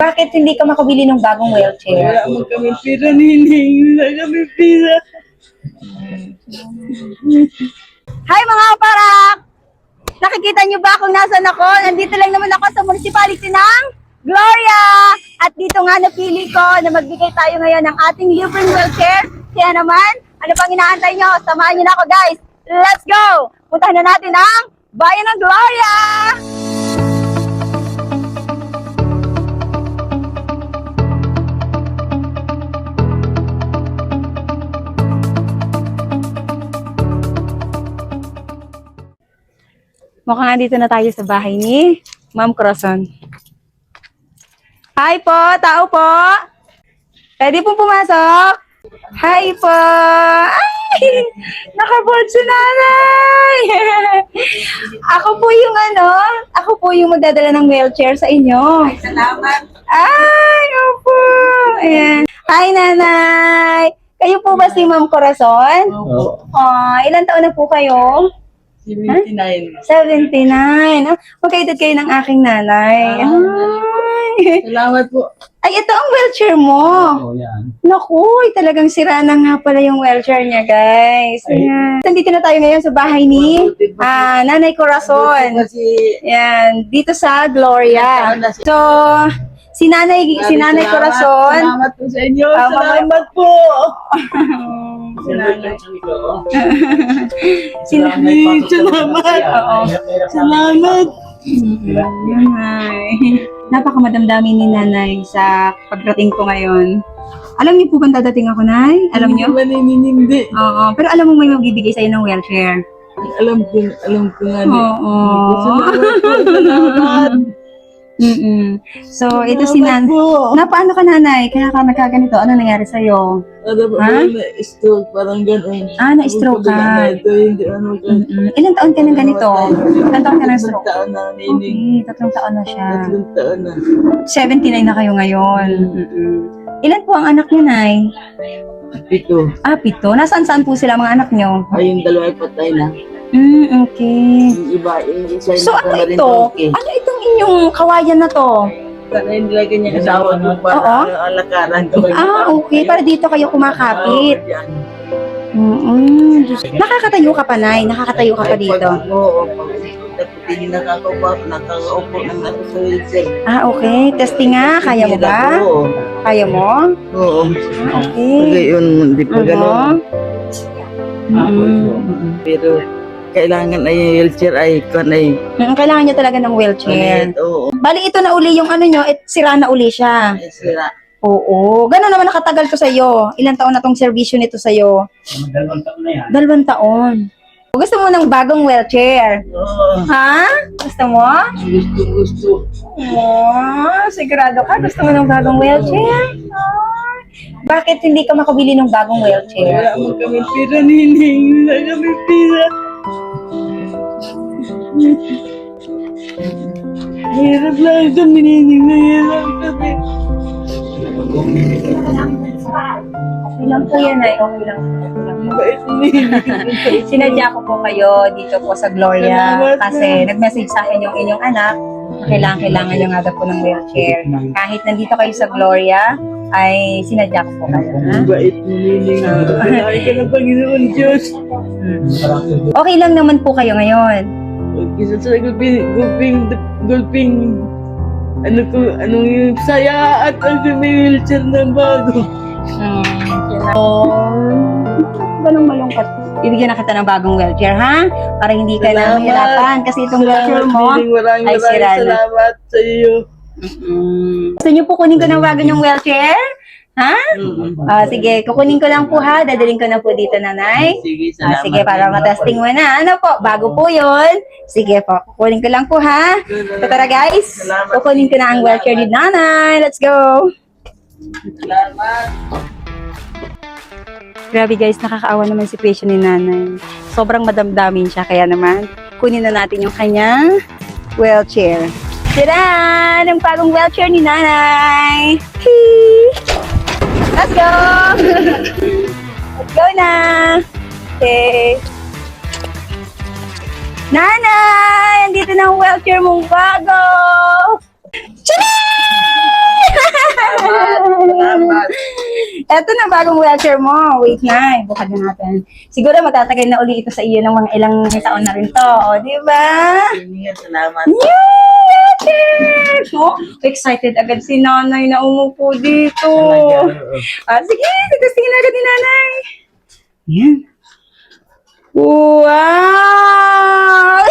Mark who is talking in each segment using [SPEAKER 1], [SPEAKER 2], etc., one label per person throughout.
[SPEAKER 1] Bakit hindi ka makabili ng bagong wheelchair?
[SPEAKER 2] Wala mo kami pira, nining. Wala kami pira.
[SPEAKER 1] Hi mga kaparak! Nakikita niyo ba kung nasan ako? Nandito lang naman ako sa municipality ng Gloria! At dito nga napili ko na magbigay tayo ngayon ng ating libreng wheelchair. Kaya naman, ano pang inaantay nyo? Samahan nyo na ako guys! Let's go! Puntahan na natin ang Bayan ng Gloria! Mukhang dito na tayo sa bahay ni Ma'am Corazon. Hi po! Tao po! Pwede pong pumasok? Hi po! Ay! Nakaboard si nanay! Ako po yung magdadala ng wheelchair sa inyo.
[SPEAKER 2] Ay, salamat.
[SPEAKER 1] Ay! Opo! Ayan. Hi nanay! Kayo po ba si Ma'am Corazon?
[SPEAKER 2] Opo.
[SPEAKER 1] Ilan taon na po kayo?
[SPEAKER 2] 79.
[SPEAKER 1] 79. Magkaedad kayo ng aking nanay. Ay.
[SPEAKER 2] Salamat po.
[SPEAKER 1] Ay, ito ang wheelchair mo.
[SPEAKER 2] Oo, yan.
[SPEAKER 1] Naku, talagang sira na nga pala yung wheelchair niya, guys. Ayan. Nandito na tayo ngayon sa bahay ni Nanay Corazon.
[SPEAKER 2] Kasi,
[SPEAKER 1] Yan, dito sa Gloria. So, si Nanay Corazon.
[SPEAKER 2] Salamat po sa inyo.
[SPEAKER 1] Ah,
[SPEAKER 2] Salamat po.
[SPEAKER 1] Si Nanay.
[SPEAKER 2] Salamat.
[SPEAKER 1] Oo.
[SPEAKER 2] Salamat.
[SPEAKER 1] Nanay. Napakamadamdamin ni Nanay sa pagdating ko ngayon. Alam niyo po ba dadating ako, Nay? Alam niyo?
[SPEAKER 2] Hindi.
[SPEAKER 1] Oo. Pero alam mo may magbibigay sa'yo ng wheelchair.
[SPEAKER 2] Alam ko nga.
[SPEAKER 1] Oo.
[SPEAKER 2] Salamat po. Salamat.
[SPEAKER 1] So, ito si Nanay.
[SPEAKER 2] po.
[SPEAKER 1] Paano ka, Nanay? Kaya ka nagkaganito. Ano nangyari sa'yo?
[SPEAKER 2] Ano ba?
[SPEAKER 1] Ha?
[SPEAKER 2] Na-stroke. Parang gano'n.
[SPEAKER 1] Na-stroke ka.
[SPEAKER 2] Ito, hindi ano gano'n.
[SPEAKER 1] Ilan taon ka ng ganito? Ilan taon ka ng stroke?
[SPEAKER 2] 3 taon na, nining.
[SPEAKER 1] Okay, 3 taon na siya.
[SPEAKER 2] 3 taon na.
[SPEAKER 1] 79 na kayo ngayon. Ilan po ang anak niyo, Nay?
[SPEAKER 2] Ito.
[SPEAKER 1] 7. Nasaan-saan po sila mga anak niyo?
[SPEAKER 2] Ay, yung dalawa ay patay na.
[SPEAKER 1] Okay.
[SPEAKER 2] Yung iba, yung isa
[SPEAKER 1] So, ano
[SPEAKER 2] na rin
[SPEAKER 1] ito?
[SPEAKER 2] okay.
[SPEAKER 1] Ano itong inyong kawayan na to?
[SPEAKER 2] Sana hindi lang kanya asawa ko
[SPEAKER 1] Oo.
[SPEAKER 2] para alakaran ko.
[SPEAKER 1] Okay. Para dito kayo kumakapit.
[SPEAKER 2] Oo, yan.
[SPEAKER 1] Nakakatayo ka pa, Nay? Nakakatayo ka pa dito?
[SPEAKER 2] Oo. Hindi nakakaupo ng nasa sa wheelchair.
[SPEAKER 1] Okay. Testing nga. Kaya mo ba?
[SPEAKER 2] Oo.
[SPEAKER 1] Kaya mo?
[SPEAKER 2] Oo.
[SPEAKER 1] Okay.
[SPEAKER 2] Pag yun, hindi pa gano'n.
[SPEAKER 1] Mhm.
[SPEAKER 2] Pero kailangan ay wheelchair ay kanay.
[SPEAKER 1] Kailangan nyo talaga ng wheelchair.
[SPEAKER 2] Oo.
[SPEAKER 1] Bali, ito na uli yung ano nyo, sira na uli siya.
[SPEAKER 2] Ay, sira.
[SPEAKER 1] Oo. Gano'n naman nakatagal to sa'yo? Ilang taon na tong serbisyo nito sa'yo?
[SPEAKER 3] 2 taon na yan.
[SPEAKER 1] 2 taon. Gusto mo ng bagong wheelchair?
[SPEAKER 2] Oo.
[SPEAKER 1] Ha? Gusto mo?
[SPEAKER 2] Gusto.
[SPEAKER 1] Sigurado ka? Gusto mo ng bagong wheelchair? Bakit hindi ka makabili ng bagong wheelchair?
[SPEAKER 2] Wala mo kami pira, nining. Wala kami pira. Hirap lang kami, nining. Hirap kami.
[SPEAKER 1] Okay lang po yan ay okay lang.
[SPEAKER 2] Bait nining.
[SPEAKER 1] Sinadya ko po kayo dito po sa Gloria
[SPEAKER 2] Salamat
[SPEAKER 1] kasi nag-message sa akin yung inyong anak na kailangan nyo nga daw po ng wheelchair. Kahit nandito kayo sa Gloria, ay sinadya ko po kayo. Ha?
[SPEAKER 2] Bait nining. Ay ka ng Panginoon Diyos.
[SPEAKER 1] Okay lang naman po kayo ngayon.
[SPEAKER 2] Isa sa gulping, anong yung saya at ang may wheelchair na bago.
[SPEAKER 1] Ganong malungkot. Ibigyan na kita ng bagong wheelchair, ha? Para hindi ka na
[SPEAKER 2] Salamat.
[SPEAKER 1] mahirapan kasi itong wheelchair mo
[SPEAKER 2] Maraming
[SPEAKER 1] ay sira na.
[SPEAKER 2] salamat sa iyo.
[SPEAKER 1] Gusto niyo po kunin ko ng bago niyong wheelchair? Ha? Sige, kukunin ko lang po ha. Dadaling ko na po dito, Nanay.
[SPEAKER 2] Sige, salamat.
[SPEAKER 1] Sige, para matesting mo na. Ano po, bago po yun. Sige po, kukunin ko lang po ha. So, tara guys, kukunin ko na ang wheelchair ni Nanay. Let's go!
[SPEAKER 2] Salamat.
[SPEAKER 1] Grabe guys, nakakaawa naman si situation ni Nanay. Sobrang madamdamin siya, kaya naman, kunin na natin yung kanyang wheelchair. Tira! Ang bagong wheelchair ni Nanay! Hee! Let's go! Let's go na! Okay. Nanay! Andito na ang wheelchair mong bago! Tcharam! Eto na bagong wheelchair mo. Wait na, bukad na natin. Siguro matatagal na uli ito sa iyo ng mga ilang taon na rin to. O, di ba?
[SPEAKER 2] Salamat.
[SPEAKER 1] Yay! Wheelchair! So, excited agad si nanay na umupo dito. Sige, titastingin agad ni nanay. Yan. Wow!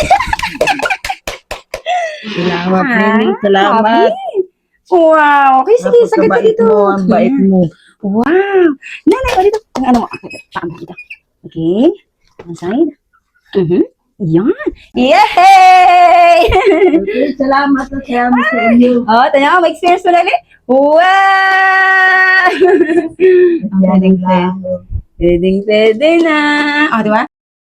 [SPEAKER 2] Salamat, Nini. Salamat.
[SPEAKER 1] Wow. Okay, sige, sagad ka dito.
[SPEAKER 2] Ang bait mo.
[SPEAKER 1] Wow. Nanay, o dito. Ang ano mo. Paano dito. Okay. One side. Yan. Yay!
[SPEAKER 2] Okay, salamat sa inyo.
[SPEAKER 1] Tanya, may experience mo na ulit. Wow! Pwede na. Di ba?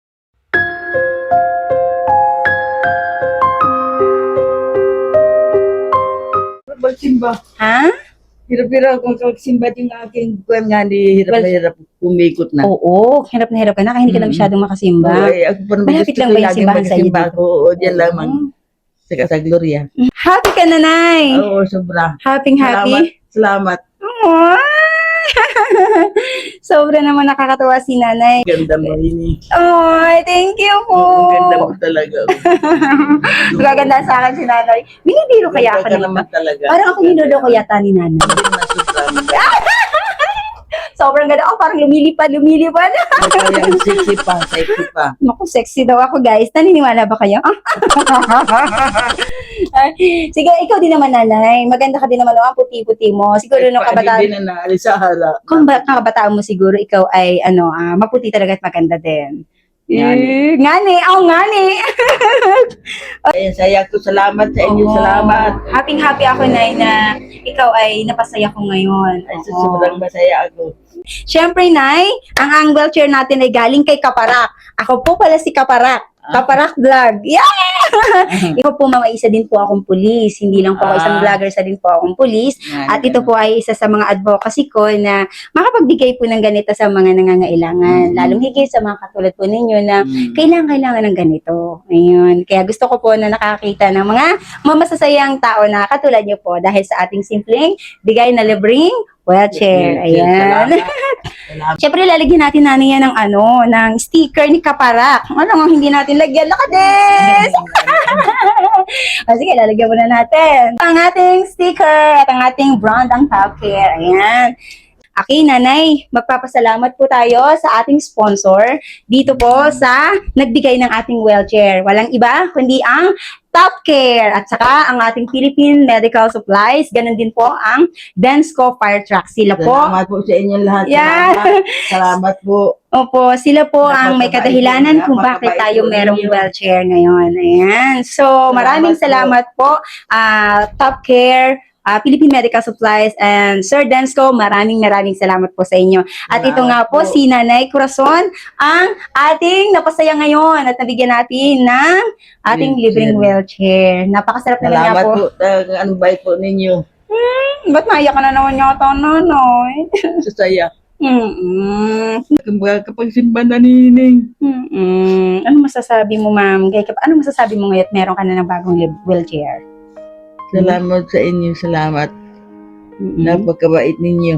[SPEAKER 2] Magsimba.
[SPEAKER 1] Ha?
[SPEAKER 2] Hirap-hirap kung magsimba yung aking buwan nga, hirap na hirap kumikot na.
[SPEAKER 1] Oo, hirap na hirap ka na, kaya hindi ka na masyadong makasimba.
[SPEAKER 2] Ay, ako pa naman
[SPEAKER 1] Malapit
[SPEAKER 2] gusto
[SPEAKER 1] lang
[SPEAKER 2] ko
[SPEAKER 1] ba yung
[SPEAKER 2] laging
[SPEAKER 1] simbahan sa iyo
[SPEAKER 2] magsimba
[SPEAKER 1] dito?
[SPEAKER 2] ako. Oo, diyan lamang. Sa Gloria.
[SPEAKER 1] Happy ka na, Nay!
[SPEAKER 2] Oo, sobra.
[SPEAKER 1] Happy.
[SPEAKER 2] Salamat.
[SPEAKER 1] Aww. Sobra naman nakakatuwa si nanay.
[SPEAKER 2] Ganda mo rin eh.
[SPEAKER 1] Ay, thank you po.
[SPEAKER 2] Oo, ganda mo talaga.
[SPEAKER 1] Magaganda sa akin si nanay. Binibiro kaya ako
[SPEAKER 2] Ganda ka
[SPEAKER 1] nito.
[SPEAKER 2] naman talaga.
[SPEAKER 1] Parang ako niloloko yata ni nanay. Sobrang ganda. Parang lumilipad.
[SPEAKER 2] Kaya ang sexy pa.
[SPEAKER 1] Naku, sexy daw ako, guys. Naniniwala ba kayo? Sige, ikaw din naman, nanay. Maganda ka din naman. Ang puti-puti mo. Siguro nung kabataan.
[SPEAKER 2] Hindi na naalis sa hala.
[SPEAKER 1] Kung kabataan mo siguro, ikaw ay, maputi talaga at maganda din. Ngani.
[SPEAKER 2] Ay, saya ko. Salamat sa inyo.
[SPEAKER 1] Oo.
[SPEAKER 2] Salamat.
[SPEAKER 1] Happy ako, Nay, na ikaw ay napasaya ko ngayon.
[SPEAKER 2] Ay,
[SPEAKER 1] Oo.
[SPEAKER 2] sobrang masaya ako.
[SPEAKER 1] Siyempre, Nay, ang wheelchair natin ay galing kay Kaparak. Ako po pala si Kaparak. Kaparak Vlog. Yeah! Ikaw po, mama, isa din po akong pulis. Hindi lang po ako isang vlogger, isa din po akong pulis. At ito po ay isa sa mga advocacy ko na makapagbigay po ng ganito sa mga nangangailangan. Lalong higit sa mga katulad po ninyo na kailangan ng ganito. Ayun. Kaya gusto ko po na nakakita ng mga mamasasayang tao na katulad nyo po dahil sa ating simpleng bigay na libreng wheelchair. Ayan.
[SPEAKER 2] Salamat.
[SPEAKER 1] Siyempre, lalagyan natin yan ng sticker ni Kaparak. Ano hindi natin lagyan? Lakades! Sige, lalagyan muna natin. Ang ating sticker at ang ating brand ang Top Care. Ayan. Okay, nanay, magpapasalamat po tayo sa ating sponsor dito po sa nagbigay ng ating wheelchair. Walang iba, kundi ang Top Care at saka ang ating Philippine Medical Supplies. Ganon din po ang Densco Fire Truck. Sila po.
[SPEAKER 2] Salamat po sa inyo lahat.
[SPEAKER 1] Yeah.
[SPEAKER 2] Salamat po.
[SPEAKER 1] Opo, sila po ang may kadahilanan kung bakit
[SPEAKER 2] Napakabait
[SPEAKER 1] tayo
[SPEAKER 2] po
[SPEAKER 1] merong
[SPEAKER 2] ninyo.
[SPEAKER 1] wheelchair ngayon. Ayan. So, maraming salamat po. Top Care, Philippine Medical Supplies, and Sir Densco, maraming salamat po sa inyo. At ito nga po, si Nanay Corazon, ang ating napasaya ngayon at nabigyan natin ng ating libreng wheelchair. Napakasarap naman nga
[SPEAKER 2] Salamat
[SPEAKER 1] po.
[SPEAKER 2] po. Ang bait po ninyo.
[SPEAKER 1] Ba't naiyak ka na naman yata, nanay?
[SPEAKER 2] Sasaya.
[SPEAKER 1] Mm-mm.
[SPEAKER 2] Kapag simba na nining.
[SPEAKER 1] Ano masasabi mo, ma'am? Ano masasabi mo ngayon at meron ka na ng bagong wheelchair?
[SPEAKER 2] Salamat sa inyo. Salamat. Napakabait ninyo.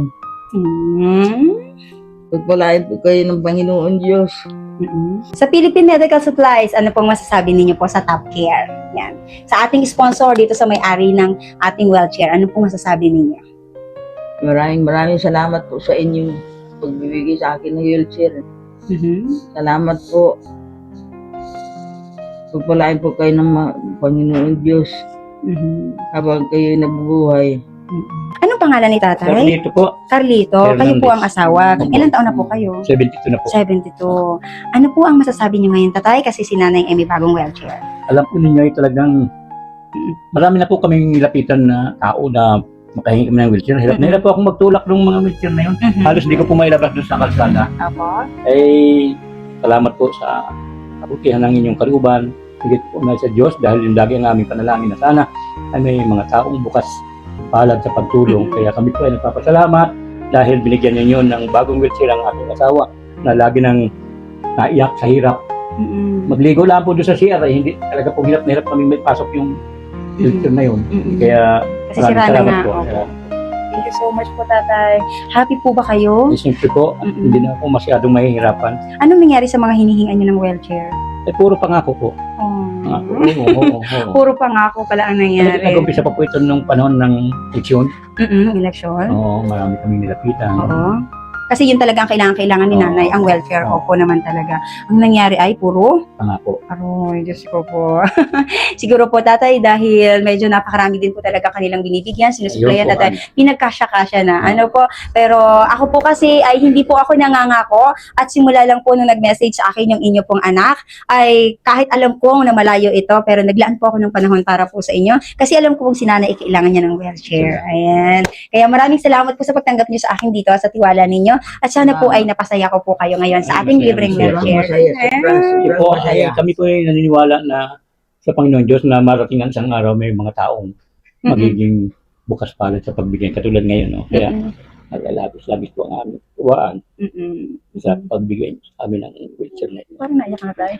[SPEAKER 2] Pagpalain po kayo ng Panginoon Diyos.
[SPEAKER 1] Sa Philippine Medical Supplies, ano pong masasabi ninyo po sa Top Care? Yan. Sa ating sponsor dito sa may-ari ng ating wheelchair, ano pong masasabi ninyo?
[SPEAKER 2] Maraming salamat po sa inyong pagbibigay sa akin ng wheelchair. Salamat po. Pagpalain po kayo ng Panginoon Diyos habang kayo nabubuhay.
[SPEAKER 1] Anong pangalan ni tatay?
[SPEAKER 3] Carlito po.
[SPEAKER 1] Carlito. Kayo po ang asawa.
[SPEAKER 3] Opo.
[SPEAKER 1] Ilan taon na po kayo?
[SPEAKER 3] 72 na po.
[SPEAKER 1] 72. Ano po ang masasabi niyo ngayon, tatay? Kasi si nanay ay may bagong wheelchair.
[SPEAKER 3] Alam po ninyo ay talagang marami na po kaming lapitan na tao na makahingi kami ng wheelchair. Hirap na hirap po akong magtulak ng mga wheelchair na yun. Halos hindi ko po mailabas doon sa kalsada.
[SPEAKER 1] Opo.
[SPEAKER 3] Ay, salamat po sa kabutihan ng inyong kalooban. Higit po na sa Diyos dahil yung lagi ang aming panalangin na sana ay may mga taong bukas palad sa pagtulong. Kaya kami po ay nagpapasalamat dahil binigyan ninyo ng bagong wheelchair ang aking asawa na lagi nang naiyak sa hirap. Magligo lang po doon sa CR ay hindi talaga po hirap na hirap kami may pasok yung wheelchair na yun. Kaya
[SPEAKER 1] Kasi
[SPEAKER 3] maraming
[SPEAKER 1] sira na
[SPEAKER 3] salamat
[SPEAKER 1] nga.
[SPEAKER 3] po.
[SPEAKER 1] Opo. Thank you so much po, tatay. Happy po ba kayo?
[SPEAKER 3] Siyempre po, hindi na ako masyadong mahihirapan.
[SPEAKER 1] Anong nangyari sa mga hinihingan niyo ng wheelchair?
[SPEAKER 3] Puro pangako po. Pangako. Oo.
[SPEAKER 1] Puro pangako pala ang nangyari.
[SPEAKER 3] Nag-umpisa pa po ito nung panahon ng eleksyon.
[SPEAKER 1] Eleksyon?
[SPEAKER 3] Oo, marami kaming nilapitan.
[SPEAKER 1] Oo. Kasi yun talaga ang kailangan ni
[SPEAKER 3] Oo.
[SPEAKER 1] nanay, ang welfare.
[SPEAKER 3] Oo.
[SPEAKER 1] Opo naman talaga. Ang nangyari ay puro
[SPEAKER 3] Pangako.
[SPEAKER 1] aroy, Diyos ko po. Siguro po, tatay, dahil medyo napakarami din po talaga kanilang binibigyan, sinusuplayan,
[SPEAKER 3] Ayun po,
[SPEAKER 1] tatay, pinagkasya-kasya na. Ano po, pero ako po kasi ay hindi po ako nangangako at simula lang po nung nag-message sa akin yung inyo pong anak, ay kahit alam ko na malayo ito, pero naglaan po ako ng panahon para po sa inyo. Kasi alam ko pong si nanay, kailangan niya ng wheelchair. Ayan. Kaya maraming salamat po sa pagtanggap niyo sa akin dito, sa tiwala ninyo. At sana po ay napasaya ko po kayo ngayon sa ating
[SPEAKER 3] Masaya,
[SPEAKER 1] libreng
[SPEAKER 3] masaya.
[SPEAKER 1] wheelchair.
[SPEAKER 3] Kasi po, kami po ay naniniwala na sa Panginoon Diyos na marating ang isang araw may mga taong magiging bukas palad sa pagbigay. Katulad ngayon, no? Kaya labis-labis po ang aming tuwaan sa pagbigay sa amin ng wheelchair na ito.
[SPEAKER 1] Parang naiyak na tayo.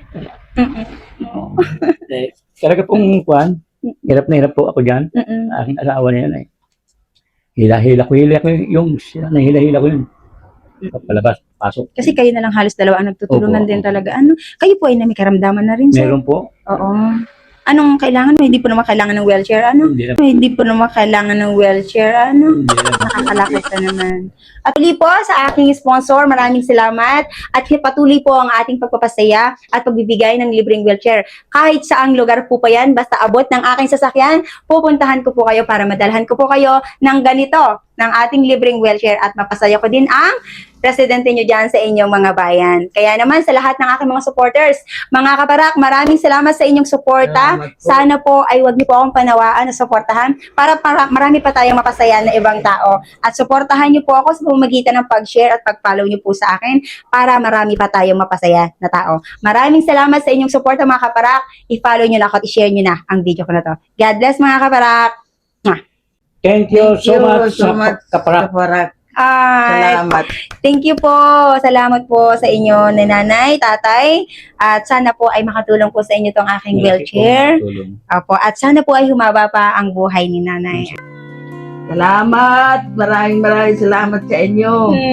[SPEAKER 3] Talaga pong kuhan, hirap na hirap po ako dyan. Aking asawa na yun eh. Hila-hila ko yung nahila-hila ko yun. Palabas, pasok.
[SPEAKER 1] Kasi kayo na lang halos dalawa ang nagtutulungan
[SPEAKER 3] Opo.
[SPEAKER 1] din talaga. Ano, kayo po ay may karamdaman na rin, sir.
[SPEAKER 3] Meron po.
[SPEAKER 1] Oo. Anong kailangan mo? Hindi po naman kailangan ng wheelchair, ano?
[SPEAKER 3] Hindi na.
[SPEAKER 1] Hindi po naman kailangan ng wheelchair, ano?
[SPEAKER 3] Hindi na.
[SPEAKER 1] Nakakalakad ka naman. At patuloy po sa aking sponsor, maraming salamat. At patuloy po ang ating pagpapasaya at pagbibigay ng libreng wheelchair. Kahit saang lugar po pa yan, basta abot ng aking sasakyan, pupuntahan ko po kayo para madalhan ko po kayo ng ganito, ng ating libreng wheelchair at mapasaya ko din ang presidente nyo dyan sa inyong mga bayan. Kaya naman sa lahat ng aking mga supporters, mga kaparak, maraming salamat sa inyong suporta.
[SPEAKER 2] Salamat po.
[SPEAKER 1] Sana po ay wag niyo po akong panawaan na suportahan para marami pa tayong mapasaya na ibang tao. At suportahan niyo po ako sa pamamagitan ng pag-share at pag-follow niyo po sa akin para marami pa tayong mapasaya na tao. Maraming salamat sa inyong suporta mga kaparak. I-follow niyo na ako at i-share niyo na ang video ko na to. God bless mga kaparak.
[SPEAKER 3] Thank you so much,
[SPEAKER 2] Kaparak.
[SPEAKER 3] Kaparak.
[SPEAKER 2] Salamat.
[SPEAKER 1] Thank you po. Salamat po sa inyo na nanay, tatay. At sana po ay makatulong po sa inyo tong aking wheelchair. Opo. At sana po ay humaba pa ang buhay ni nanay.
[SPEAKER 2] Salamat. Maraming salamat sa inyo.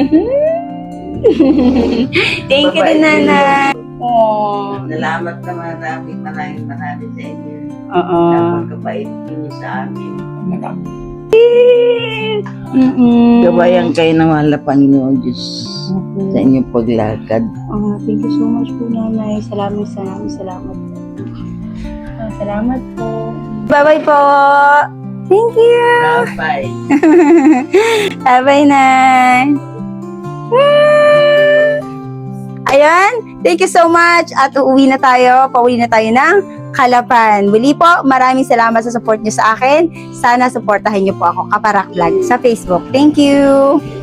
[SPEAKER 1] Thank you din, nanay. Oh.
[SPEAKER 2] Salamat na maraming sa inyo.
[SPEAKER 1] Oo.
[SPEAKER 2] Napagkabait niyo sa amin. Gabayan kayo ng mahal na Panginoon Diyos sa inyong paglakad.
[SPEAKER 1] Thank you so much po, nanay. Salamat. Salamat po. Bye-bye po. Thank you.
[SPEAKER 2] Bye.
[SPEAKER 1] Bye-bye, Nay. Ayan, thank you so much. At pauwi na tayo ng Kalapan. Muli po, maraming salamat sa support niyo sa akin. Sana supportahan niyo po ako, Kaparak Vlog, sa Facebook. Thank you.